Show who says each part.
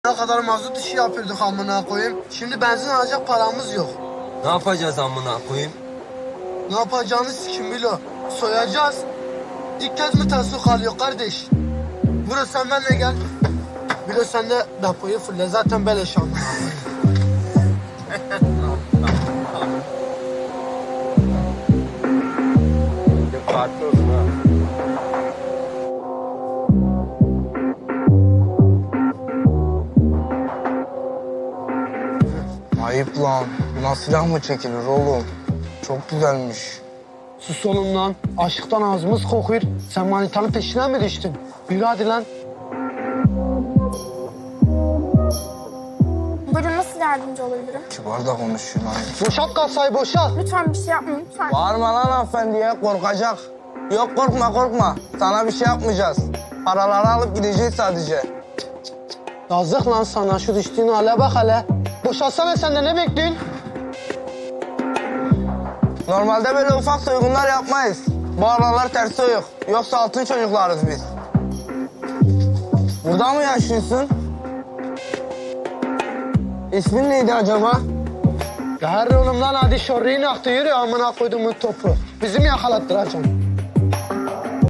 Speaker 1: Ne kadar mazot işi yapıyorduk amına koyayım. Şimdi benzin alacak paramız yok.
Speaker 2: Ne yapacağız amına koyayım?
Speaker 1: Ne yapacağını sikim bilo. Soyacağız. İlk kez mi tasuk alıyor kardeş? Bro sen benimle gel. Bilo sen de depoyu fulle. Zaten beleş amına koyayım.
Speaker 2: Dikkatli olun ha.
Speaker 3: Ayıp lan. Buna silah mı çekilir oğlum? Çok güzelmiş.
Speaker 1: Sus oğlum lan. Aşıktan ağzımız kokuyor. Sen manitanın peşine mi düştün? Yürü hadi lan.
Speaker 4: Buyurun, nasıl yardımcı olabilirim?
Speaker 3: Kibar da konuşuyor lan.
Speaker 1: Boşalt kasayı boşalt.
Speaker 4: Lütfen bir şey yapmayın, lütfen.
Speaker 3: Bağırma lan hanımefendiye, korkacak. Yok korkma korkma. Sana bir şey yapmayacağız. Paraları alıp gideceğiz sadece.
Speaker 1: Yazık lan sana, şu düştüğün hale bak hele. Boşalsana sen de, ne bekliyorsun?
Speaker 3: Normalde böyle ufak soygunlar yapmayız. Bu aralar ters soyuk. Yoksa altın çocuklarız biz. Burada mı yaşıyorsun? İsmin neydi acaba?
Speaker 1: Gel oğlum lan, hadi şorriyi aktı, yürü amına koyduğumun topu. Bizi mi yakalattıracaksın?